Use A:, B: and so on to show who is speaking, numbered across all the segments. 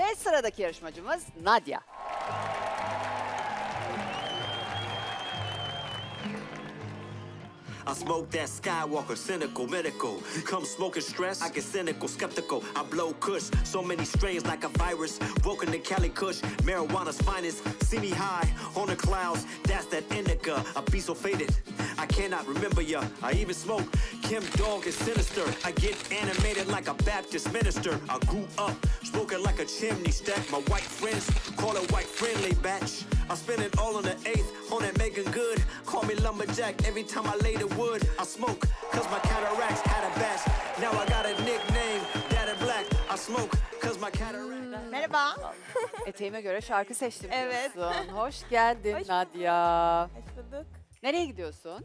A: Ve sıradaki yarışmacımız Nadia.
B: I smoke that Skywalker, cynical, medical. Come smoking stress, I get cynical, skeptical. I blow kush, so many strains like a virus. Woken in Cali Kush, marijuana's finest. See me high on the clouds, that's that indica. I be so faded, I cannot remember ya. I even smoke Kim Dog is sinister. I get animated like a Baptist minister. I grew up smoking like a chimney stack. My white friends call it white friendly batch. I spend it all on the 8th, on that making good. Call me lumberjack every time I lay the wood. I smoke, cause my cataracts had a batch. Now I got a nickname, Daddy Black. I smoke, cause my cataracts.
C: Merhaba.
A: Eteğime göre şarkı seçtim
C: Evet.
A: diyorsun. Hoş geldin
C: Hoş
A: Nadia.
C: Hoş bulduk.
A: Nereye gidiyorsun?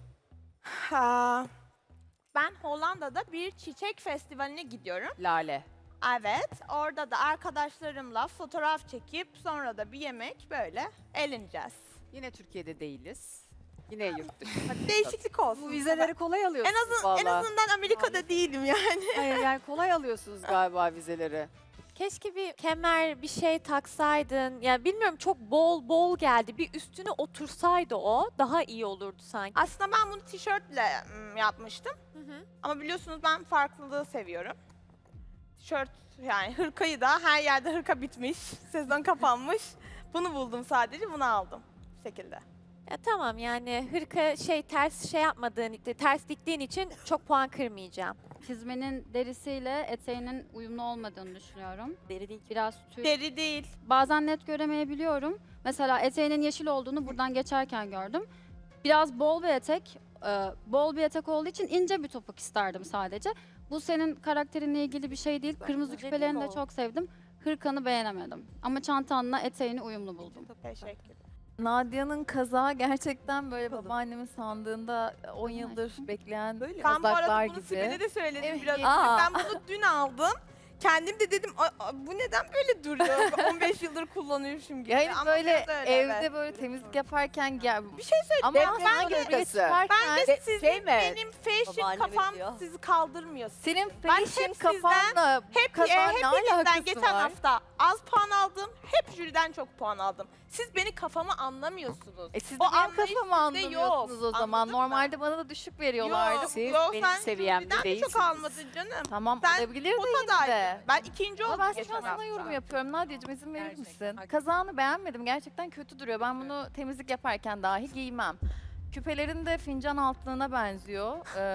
C: Ben Hollanda'da bir çiçek festivaline gidiyorum.
A: Lale.
C: Evet, orada da arkadaşlarımla fotoğraf çekip sonra da bir yemek böyle eğleneceğiz.
A: Yine Türkiye'de değiliz. Yine yurt dışı.
C: Değişiklik olsun.
A: Bu vizeleri kolay
C: en
A: alıyorsunuz
C: azından
A: valla.
C: Amerika'da değilim yani.
A: Hayır yani kolay alıyorsunuz galiba vizeleri.
D: Keşke bir kemer bir şey taksaydın. Yani bilmiyorum çok bol geldi. Bir üstüne otursaydı o daha iyi olurdu sanki.
C: Aslında ben bunu tişörtle yapmıştım. Ama biliyorsunuz ben farklılığı seviyorum. Tişört yani hırkayı da her yerde hırka bitmiş, sezon kapanmış. Bunu buldum sadece, bunu aldım bu şekilde.
D: Ya tamam yani hırka ters yapmadığın, ters diktiğin için çok puan kırmayacağım.
E: Çizmenin derisiyle eteğinin uyumlu olmadığını düşünüyorum.
D: Deri değil.
E: Biraz tüy.
C: Deri değil.
E: Bazen net göremeyebiliyorum. Mesela eteğinin yeşil olduğunu buradan geçerken gördüm. Biraz bol bir etek olduğu için ince bir topuk isterdim sadece. Bu senin karakterinle ilgili bir şey değil. Kırmızı küpelerini de çok sevdim. Hırkanı beğenemedim. Ama çantanla eteğini uyumlu buldum.
C: Teşekkür ederim.
F: Nadia'nın kazağı gerçekten böyle babaannemin sandığında 10 yıldır bekleyen
C: Ben bu
F: kazaklar
C: arada bunu
F: gibi.
C: Sibel'e de söyledim
F: Evet.
C: biraz önce.
F: Aa.
C: Ben bunu dün aldım. Kendim de dedim bu neden böyle duruyor? 15 yıldır kullanıyormuşum gibi.
F: Yani
C: Ama
F: böyle
C: biraz öyle,
F: evde
C: evet.
F: böyle temizlik yaparken
C: Bir şey söyleyeyim.
F: ama
A: Deprem
F: böyle
A: hırkası.
C: Ben de sizin
A: şey mi?
C: benim fashion
D: Babaanneme
C: kafam
D: diyor.
C: sizi kaldırmıyor.
F: senin
C: Ben
F: fashion
C: hep sizden,
F: kafanla
C: Hep
F: kazağın ne
C: hepinizden
F: alakası
C: geçen
F: var?
C: hafta az puan aldım. Hep jüriden çok puan aldım. Siz beni kafamı anlamıyorsunuz.
F: Siz de
C: O
F: benim
C: anlayış
F: kafamı
C: sizde
F: anlamıyorsunuz
C: yok.
F: o zaman.
C: Anladın mı?
F: Normalde bana da düşük veriyorlardı.
C: Yok,
A: Siz
C: yok,
A: benim
C: sen
A: seviyemde
C: jüriden de
A: değilsiniz.
C: çok almadın canım.
F: Tamam
C: Sen
F: olabilir de yine
C: potadaydın.
F: de.
C: Ben ikinci
F: Ama
C: oldum
F: ben
C: geçen
F: şu an sana
C: hafta.
F: yorum yapıyorum. Nadia'cığım izin verir
A: Gerçekten.
F: misin? Kazağını beğenmedim. Gerçekten kötü duruyor. Ben bunu temizlik yaparken dahi giymem. Küpelerin de fincan altlığına benziyor.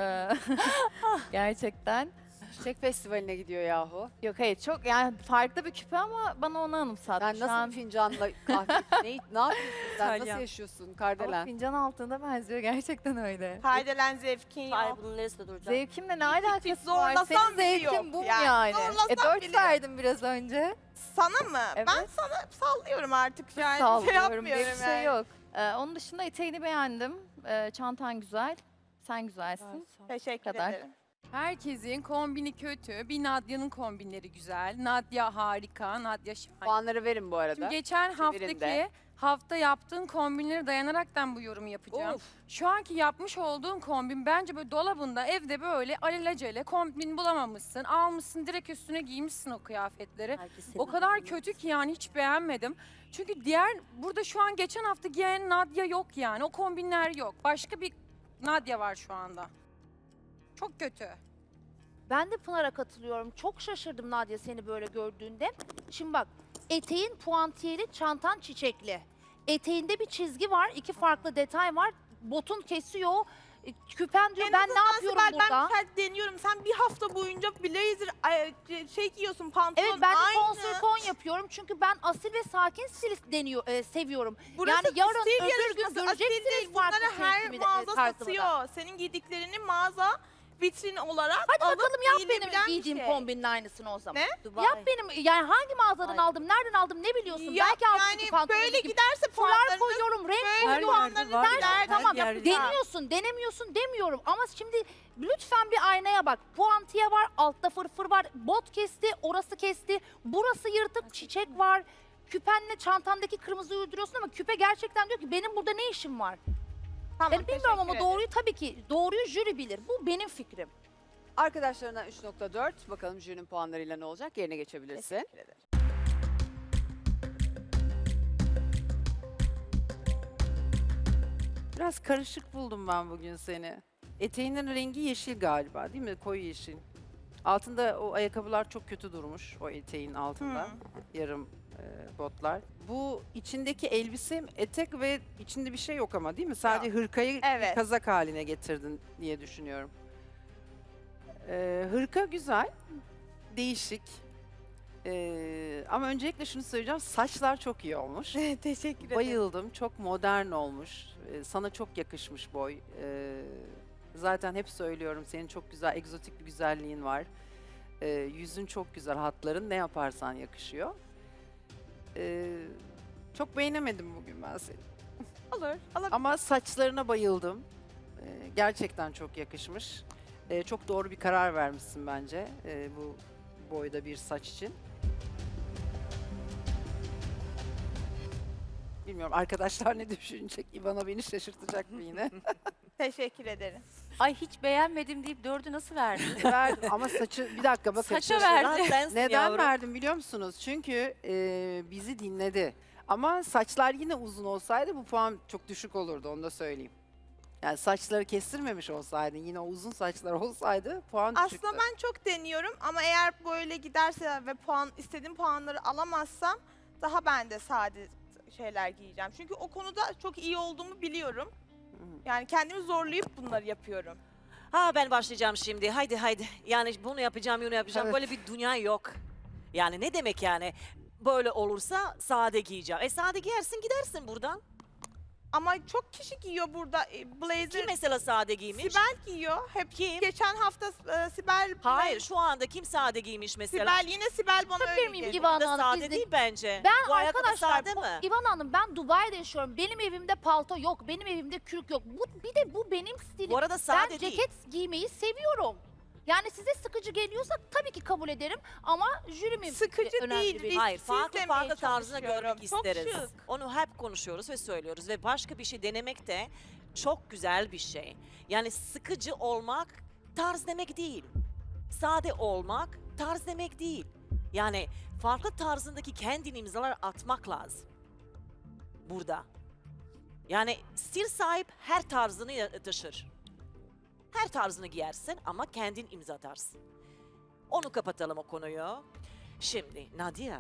F: Gerçekten.
A: Çiçek festivaline gidiyor yahu.
F: Yok hayır çok yani farklı bir küpe ama bana onu anımsattı.
A: Sen
F: Şu
A: nasıl
F: an
A: bir fincanla kahve, ne yapıyorsun sen? Nasıl
D: İtalyan.
A: yaşıyorsun
F: ama
A: Kardelen?
F: fincan altında benziyor gerçekten öyle.
C: Kardelen zevkin yok.
D: bunun neresinde duracak?
F: Zevkimle ne alakası var?
C: zorlasam
F: Senin
C: bile
F: zevkin
C: yok
F: bu mu
C: yani.
F: yani?
C: Zorlasam
F: 4
C: bile.
F: verdim biraz önce.
C: Sana mı?
F: Evet.
C: Ben sana sallıyorum artık yani.
F: Sallıyorum
C: şey
F: diye
C: yapmıyorum
F: bir şey
C: yani.
F: yok. Onun dışında eteğini beğendim. Çantan güzel. Sen güzelsin.
C: Teşekkür
F: Kadar.
C: ederim.
G: Herkesin kombini kötü. Bir Nadia'nın kombinleri güzel. Nadia harika, Nadia şahane.
A: Puanları verin bu arada.
G: Şimdi geçen
A: Çevirin de.
G: hafta yaptığın kombinlere dayanaraktan bu yorumu yapacağım.
A: Of.
G: Şu anki yapmış olduğun kombin bence böyle dolabında evde böyle alelacele kombin bulamamışsın. Almışsın direkt üstüne giymişsin o kıyafetleri. O kadar kötü ki yani hiç beğenmedim. Çünkü burada şu an geçen hafta giyen Nadia yok yani. O kombinler yok. Başka bir Nadia var şu anda. Çok kötü.
H: Ben de Pınar'a katılıyorum. Çok şaşırdım Nadia seni böyle gördüğünde. Şimdi bak, eteğin puantiyeli, çantan çiçekli. Eteğinde bir çizgi var, 2 farklı detay var. Botun kesiyor. Küpen diyor,
C: En
H: ben ne
C: azından
H: yapıyorum
C: Sibel,
H: burada?
C: Ben deniyorum. Sen bir hafta boyunca blazer şey giyiyorsun, pantolon
H: Evet, ben de
C: aynı.
H: konsürton yapıyorum. Çünkü ben asil ve sakin stil seviyorum.
C: Burası
H: yani yarın
C: stil
H: öbür gün
C: yarışması, asil
H: göreceksiniz
C: değil.
H: farklı
C: Bunları her
H: tarzımı
C: mağaza
H: da.
C: satıyor. Senin giydiklerini mağaza vitrin olarak
H: Hadi
C: alıp
H: bakalım yap
C: giyilebilen
H: benim
C: bir
H: giydiğim
C: şey.
H: kombinin aynısını o zaman.
C: Ne?
H: Yap benim, yani hangi mağazadan aldım, nereden aldım ne biliyorsun?
C: Ya,
H: Belki altındaki
C: yani
H: pantolonu
C: böyle
H: gibi.
C: giderse
H: Fular
C: puanlarınız
H: koyuyorum, renk
C: böyle
H: koyuyorum.
C: puanlarınız gider.
H: Tamam
C: Yapacağım.
H: deniyorsun, denemiyorsun demiyorum. Ama şimdi lütfen bir aynaya bak. Puantiye var, altta fırfır var, bot kesti, orası kesti, burası yırtık, çiçek var. Küpenle çantandaki kırmızıyı uyduruyorsun ama küpe gerçekten diyor ki benim burada ne işim var?
C: Tamam,
H: Yani bilmiyorum ama
C: teşekkür
H: doğruyu tabii ki, doğruyu jüri bilir. Bu benim fikrim.
A: Arkadaşlarından 3.4. Bakalım jürinin puanlarıyla ne olacak? Yerine geçebilirsin.
C: ederim.
A: Biraz karışık buldum ben bugün seni. Eteğinin rengi yeşil galiba değil mi? Koyu yeşil. Altında o ayakkabılar çok kötü durmuş o eteğin altında. Yarım botlar. Bu içindeki elbise etek ve içinde bir şey yok ama değil mi? Sadece hırkayı
C: Evet.
A: kazak haline getirdin diye düşünüyorum. Hırka güzel, değişik. Ama öncelikle şunu söyleyeceğim, saçlar çok iyi olmuş.
C: Teşekkür ederim.
A: Bayıldım, çok modern olmuş. Sana çok yakışmış boy. Zaten hep söylüyorum, senin çok güzel, egzotik bir güzelliğin var. Yüzün çok güzel, hatların ne yaparsan yakışıyor. Çok beğenemedim bugün ben seni.
C: Olur.
A: Ama saçlarına bayıldım. Gerçekten çok yakışmış. Çok doğru bir karar vermişsin bence bu boyda bir saç için. Bilmiyorum arkadaşlar ne düşünecek? İvana beni şaşırtacak mı yine?
C: Teşekkür ederim.
D: Ay hiç beğenmedim deyip 4'ü nasıl verdin?
A: Verdim ama saçı bir dakika bakın.
D: Saça verdi.
A: Neden verdim biliyor musunuz? Çünkü bizi dinledi. Ama saçlar yine uzun olsaydı bu puan çok düşük olurdu, onu da söyleyeyim. Yani saçları kestirmemiş olsaydın, yine o uzun saçlar olsaydı puan düşüktü.
C: Aslında ben çok deniyorum ama eğer böyle giderse ve istediğim puanları alamazsam daha ben de sade şeyler giyeceğim. Çünkü o konuda çok iyi olduğumu biliyorum. Yani kendimi zorlayıp bunları yapıyorum.
I: Ha ben başlayacağım şimdi. Haydi haydi. Yani bunu yapacağım, bunu yapacağım.
A: Evet.
I: Böyle bir dünya yok. Yani ne demek yani? Böyle olursa sade giyeceğim. Sade giyersin gidersin buradan.
C: Ama çok kişi giyiyor burada blazer.
I: Kim mesela sade giymiş?
C: Sibel giyiyor. Hep
I: Kim?
C: geçen hafta Sibel.
I: Hayır şu anda kim sade giymiş mesela?
C: Sibel yine Sibel bana
H: Yapabilir
C: öyle
H: miyim
C: geliyor.
H: İvan
I: Bu da
H: Hanım?
I: sade
H: Biz de-
I: değil bence.
H: Ben
I: Bu ayakkabı
H: arkadaşlar,
I: sade mi?
H: İvan Hanım ben Dubai'de yaşıyorum. Benim evimde palto yok, benim evimde kürk yok. Bir de bu benim stilim.
I: Bu arada sade
H: Ben
I: değil.
H: ceket giymeyi seviyorum. Yani size sıkıcı geliyorsa tabii ki kabul ederim ama jürimin
C: Sıkıcı
H: önemli
C: değil.
H: bir-
C: Biz
I: Hayır,
C: siz
I: farklı
C: demeye
I: farklı tarzını
C: çalışıyorum.
I: görmek
C: Çok
I: isteriz.
C: şık.
I: Onu hep konuşuyoruz ve söylüyoruz ve başka bir şey denemek de çok güzel bir şey. Yani sıkıcı olmak tarz demek değil. Sade olmak tarz demek değil. Yani farklı tarzındaki kendini imzalar atmak lazım. Burada. Yani stil sahip her tarzını taşır. Her tarzını giyersin ama kendin imza atarsın. Onu kapatalım o konuyu. Şimdi Nadia,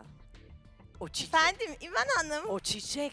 I: o çiçek,
C: Efendim İvan Hanım
I: o çiçek,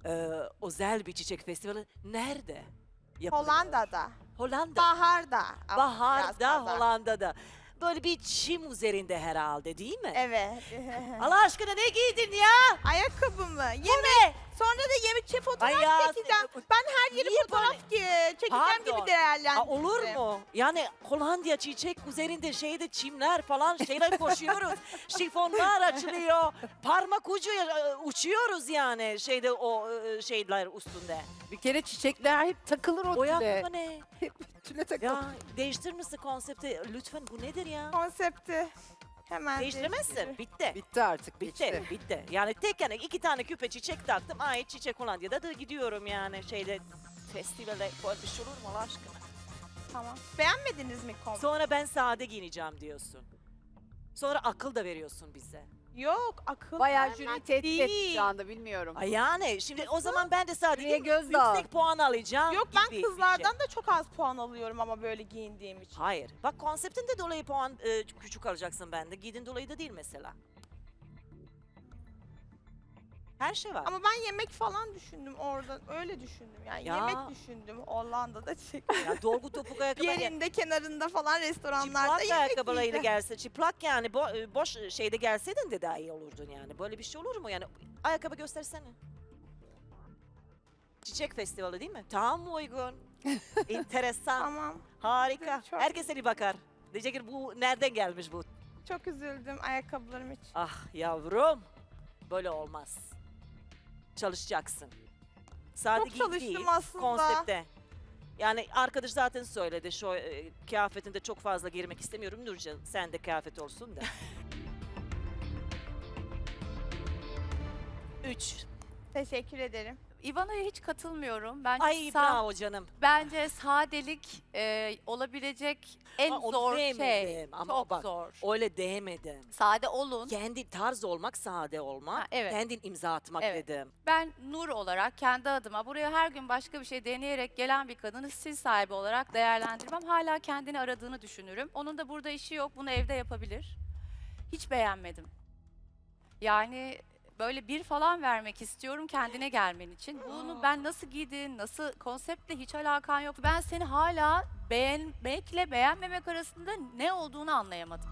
I: özel bir çiçek festivali nerede yapılıyor?
C: Hollanda'da.
I: Hollanda.
C: Baharda. Ama biraz
I: Bahar'da,
C: fazla.
I: Hollanda'da. Böyle bir çim üzerinde herhalde değil mi?
C: Evet.
I: Allah aşkına ne giydin ya?
C: Ayakkabımı.
I: Ne?
C: Sonra da yemek fotoğraf
I: Ay ya,
C: çekeceğim. Ben her yeri
I: niye
C: fotoğraf çekeceğim
I: Pardon.
C: gibi değerlendirdim.
I: Olur mu? Yani Hollanda çiçek üzerinde şeyde çimler falan şeyler koşuyoruz. Şifonlar açılıyor. Parmak ucu uçuyoruz yani şeyde o şeyler üstünde.
A: Bir kere çiçekler hep takılır o
I: O
A: tüle.
I: yapma ne?
A: Tüle takılır.
I: Ya değiştirmişsin konsepti. Lütfen bu nedir ya?
C: Konsepti hemen
I: Değiştirmezsin.
C: değiştiriyorum.
I: Bitti.
A: Bitti artık,
I: Bitti, bitti. Yani tek yani 2 tane küpe çiçek taktım. Ay çiçek Hollanda'da da gidiyorum yani şeyde festivale böyle bir şey olur mu Allah aşkına?
C: Tamam. Beğenmediniz mi konsepti?
I: Sonra ben sade giyineceğim diyorsun. Sonra akıl da veriyorsun bize.
C: Yok akıl
A: Bayağı
C: vermek
A: jüri tehdit etti
C: değil.
A: şu anda, bilmiyorum.
I: Ay yani şimdi o zaman ben de sade
A: Jüriye
I: giyeyim,
A: göz dağıt.
I: yüksek puan alacağım
C: Yok
I: gibi
C: ben
I: bir şey.
C: kızlardan da çok az puan alıyorum ama böyle giyindiğim için.
I: Hayır. Bak konseptinde dolayı puan küçük alacaksın bende. Giydin dolayı da değil mesela. Her şey var.
C: Ama ben yemek falan düşündüm orada. Öyle düşündüm yani.
I: Ya.
C: Yemek düşündüm. Hollanda'da
I: Ya dolgu topuk
C: bir
I: ayakkabıyla
C: yerinde kenarında falan restoranlarda
I: çıplak
C: yemek
I: ayakkabılarıyla
C: yiyeceğim.
I: gelse, çıplak yani boş şeyde gelseydin de daha iyi olurdun yani. Böyle bir şey olur mu yani? Ayakkabı göstersene. Çiçek festivali değil mi? Tam uygun. Enteresan.
C: Tamam.
I: Harika.
C: Çok-
I: Herkes seni bakar. Diyecek ki bu nereden gelmiş bu?
C: Çok üzüldüm ayakkabılarım için.
I: Ah yavrum. Böyle olmaz. Çalışacaksın. Sade
C: Çok
I: giy
C: çalıştım
I: değil,
C: aslında.
I: konsepte. Yani arkadaş zaten söyledi şu kıyafetinde çok fazla girmek istemiyorum. Nurcan sen de kıyafet olsun da. 3.
C: Teşekkür ederim.
J: Ivana'ya hiç katılmıyorum. Bence
I: Ay bravo canım.
J: bence sadelik olabilecek en
I: Ama onu
J: zor şey.
I: demedim. Ama
J: Çok
I: bak,
J: zor.
I: Öyle demedim.
J: Sade olun.
I: Kendi tarz olmak, sade olmak,
J: Ha, evet.
I: kendin imza atmak
J: Evet.
I: dedim.
J: Ben Nur olarak kendi adıma buraya her gün başka bir şey deneyerek gelen bir kadını stil sahibi olarak değerlendirmem. Hala kendini aradığını düşünürüm. Onun da burada işi yok. Bunu evde yapabilir. Hiç beğenmedim. Yani böyle bir falan vermek istiyorum kendine gelmen için. Bunu ben nasıl giydin, nasıl konseptle hiç alakan yok. Ben seni hala beğenmekle beğenmemek arasında ne olduğunu anlayamadım.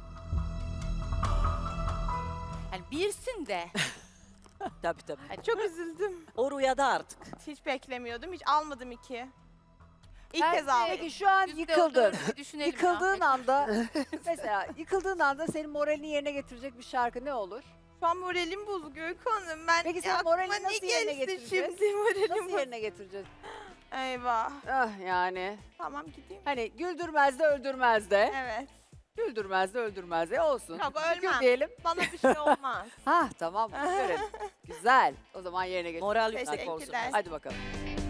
J: Yani birsin de.
I: Tabii tabii.
C: Ay, çok üzüldüm.
I: O rüyada artık.
C: Hiç beklemiyordum. Hiç almadım 2. İlk
J: Ben
C: kez
J: de-
C: aldım.
K: Peki şu an
J: Yüzde
K: yıkıldın.
J: dördü bir düşünelim ya.
K: Yıkıldığın anda mesela yıkıldığın anda senin moralini yerine getirecek bir şarkı ne olur?
C: Şu an moralim bozuk Öykü Hanım. Ben
K: Peki sen
C: aklıma
K: moralini
C: ne
K: nasıl yerine
C: gelirse
K: getireceğiz?
C: Şimdi moralim
K: Nasıl
C: bozuk.
K: yerine getireceğiz?
C: Eyvah.
K: Ah yani.
C: Tamam gideyim.
K: Hani güldürmez de öldürmez de.
C: Evet.
K: Güldürmez de öldürmez de olsun.
C: Yok
K: Şükür
C: ölmem.
K: diyelim.
C: Bana bir şey olmaz.
K: Ha tamam. Güzel. O zaman yerine getir.
I: Moral yüksek olsun.
C: Teşekkürler.
K: Hadi bakalım.